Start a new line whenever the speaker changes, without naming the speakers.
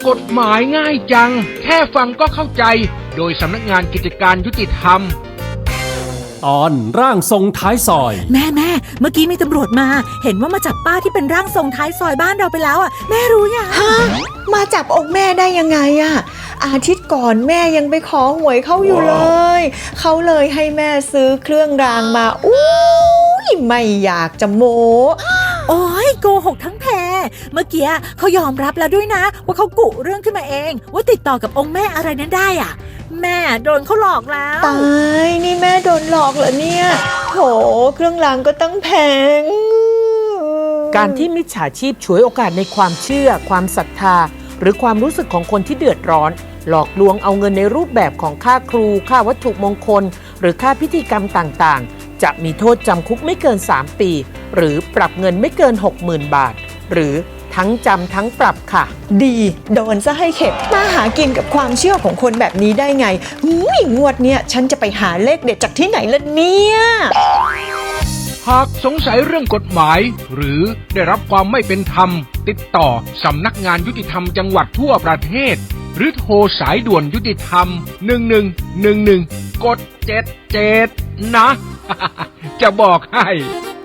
กฎหมายง่ายจังแค่ฟังก็เข้าใจโดยสำนักงานกิจการยุติธรรม
ตอนร่างทรงท้ายซอย
แม่เมื่อกี้มีตำรวจมาเห็นว่ามาจับป้าที่เป็นร่างทรงท้ายซอยบ้านเราไปแล้วอ่ะแม่รู้ยัง
ฮะมาจับองค์แม่ได้ยังไงอะอาทิตย์ก่อนแม่ยังไปขอหวยเขาอยู่เลยเขาเลยให้แม่ซื้อเครื่องรางมาไม่อยากจะโม้
โอ้ยโกหกทั้งแพรเมื่อกี้เขายอมรับแล้วด้วยนะว่าเขากุเรื่องขึ้นมาเองว่าติดต่อกับองค์แม่อะไรนั้นได้อ่ะแม่โดนเขาหลอกแล้ว
ตายนี่แม่โดนหลอกเหรอเนี่ยโหเครื่องรางก็ตั้งแพง
การที่มิจฉาชีพฉวยโอกาสในความเชื่อความศรัทธาหรือความรู้สึกของคนที่เดือดร้อนหลอกลวงเอาเงินในรูปแบบของค่าครูค่าวัตถุมงคลหรือค่าพิธีกรรมต่างๆจะมีโทษจำคุกไม่เกิน3 ปีหรือปรับเงินไม่เกิน 60,000 บาทหรือทั้งจำทั้งปรับค่ะ
ดีโดนซะให้เข็ดมาหากินกับความเชื่อของคนแบบนี้ได้ไงงวดเนี้ยฉันจะไปหาเลขเด็ดจากที่ไหนล่ะเนี่ย
หากสงสัยเรื่องกฎหมายหรือได้รับความไม่เป็นธรรมติดต่อสำนักงานยุติธรรมจังหวัดทั่วประเทศหรือโทรสายด่วนยุติธรรม1111กด77นะ จะบอกให้